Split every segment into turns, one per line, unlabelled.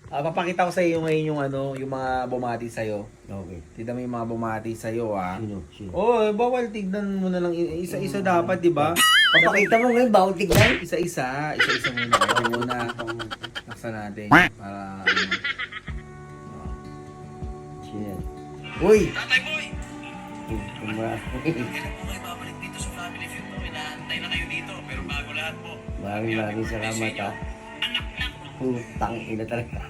Papakita ko sa iyo ngayon yung ano, yung mga bumati sa iyo.
Okay.
Tignan mo yung mga bumati sa iyo, ah.
Sino?
Oh, bawal tignan mo na lang isa-isa dapat, 'di ba?
Papakita mo ngayon, bawal tignan.
Isa-isa muna. Ito muna. Naksa natin para ano.
Sino yan? Uy!
Tatay Boy!
Maraming
Babalik dito sa Family Feud po. Inaantay na kayo dito. Pero bago lahat po.
salamat ha. Putang ina talaga.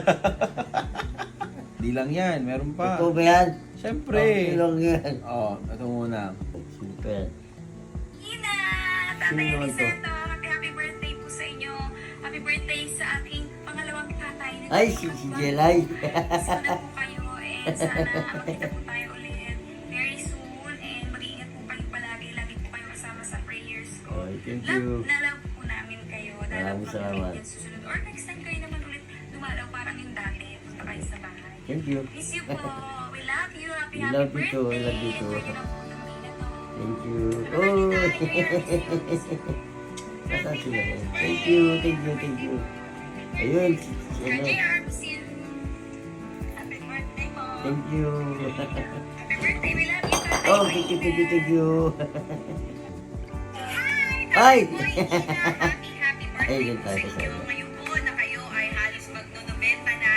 Di lang 'yan, meron pa.
Ito ba yan?
Siyempre.
Ito lang yan.
Oh, ito muna.
Super.
Ina!
Sino
Tatay
naman to?
Eliseto, happy birthday po sa inyo. Happy birthday sa aking pangalawang tatay.
Ay, si Jelay.
Sana po kayo and sana makita po tayo ulit very soon and mag-iingat po kayo palagi. Lagi po kayo kasama sa prayers ko.
Oy, thank you.
Love po namin kayo. Dalaw
Maraming
po
salamat.
kami susunod. Or next time kayo naman ulit dumalaw parang yung dati. Punta kayo sa bahay.
Thank you.
Miss you po. We love you. Happy
We love you
birthday.
too. We love you too.
Enjoy nyo lang po itong mina to.
Thank you.
Happy
Oh!
birthday.
Nasaan sila? Thank you. Ayun, si ano.
Happy birthday po.
Thank you.
Happy birthday, we love you. Tatay
Oh,
Boy.
thank you.
Hi,
Ay!
Tatay Boy. Happy
Ay,
birthday
yun
po
tayo
sa
sa
inyo.
inyo.
Ngayon po na kayo ay halos magno-90 na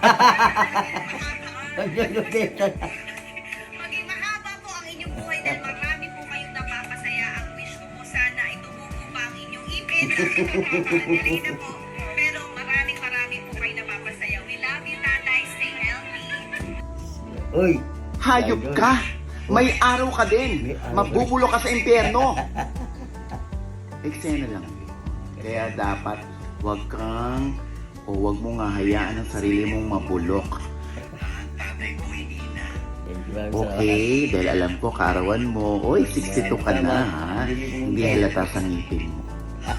Maging mahaba po ang inyong buhay dahil marami po kayong napapasaya. Ang wish ko po sana ay tumubo pa ang inyong ipin. Delay na po. Pero marami po kayo napapasaya. We love you, Tatay. Stay healthy.
Uy!
Hayop ka! May araw ka din! Mabubulo ka sa impyerno! Eksena lang yun. Kaya dapat wag mong hayaan ang sarili mong mabulok.
Tatay Boy, Ina.
Thank you, maraming
Okay, dahil alam ko karawan mo, oy, 62 ka na ha. Hindi halata sa ngipin mo.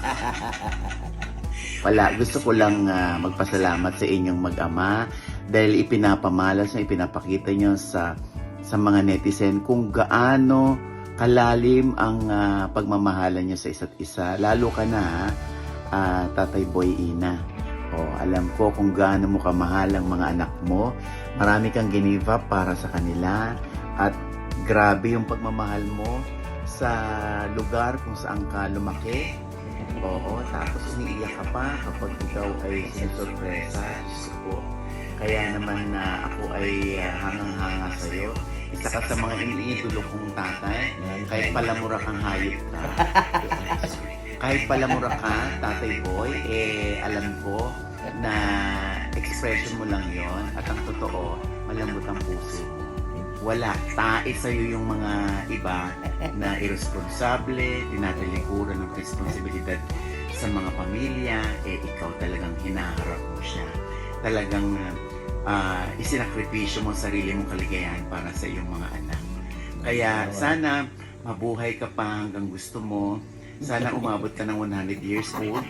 Gusto ko lang magpasalamat sa inyong mag-ama dahil ipinapamalas nyo, ipinapakita nyo sa mga netizen kung gaano kalalim ang pagmamahalan nyo sa isa't isa. Lalo ka na, Tatay Boy Ina. Alam ko kung gaano mo kamahal ang mga anak mo. Marami kang give up para sa kanila. At grabe yung pagmamahal mo sa lugar kung saan ka lumaki. Tapos umiiyak ka pa kapag ikaw ay sinusurpresa. Diyos ko. Kaya naman ako ay hangang-hanga sa'yo. Isa ka sa mga iniidolo kong tatay. Kahit palamura kang hayop ka. Kahit palamura ka, Tatay Boy, alam ko na expression mo lang yon at ang totoo, malambot ang puso mo. Wala, tae sa'yo yung mga iba na irresponsable, tinatalikuran ng responsibilidad sa mga pamilya, ikaw talagang hinaharap mo siya. Talagang isinakripisyo mo sarili mong kaligayahan para sa iyong mga anak. Kaya sana mabuhay ka pa hanggang gusto mo. Sana umabot ka ng 100 years old.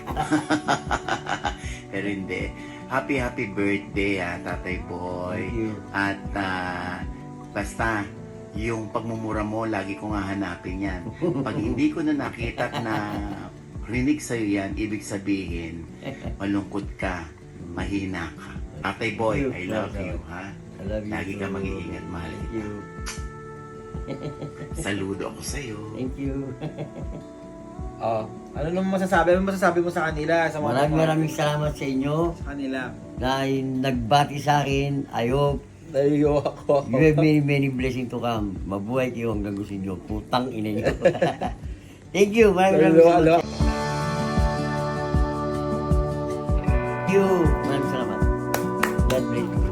Pero hindi. Happy birthday Tatay Boy.
Thank you.
At basta yung pagmumura mo, lagi ko nga hanapin yan. Pag hindi ko na nakita at na rinig sa'yo yan, ibig sabihin, malungkot ka, mahina ka. Tatay Boy, I love you, ha?
I love you.
Lagi ka mag-iingat, mahal
Thank
kita.
you.
Saludo ako sa'yo.
Thank you.
Ano naman masasabi? Ano masasabi mo sa kanila? Sa mga
Maraming salamat sa inyo
sa kanila.
na nagbati sa akin. I hope
Naiyo ako.
you have many blessings to come. Mabuhay kayo hanggang gusto nyo. Putang ina nyo. Thank you. Maraming salamat. Thank you. Maraming salamat. God bless you.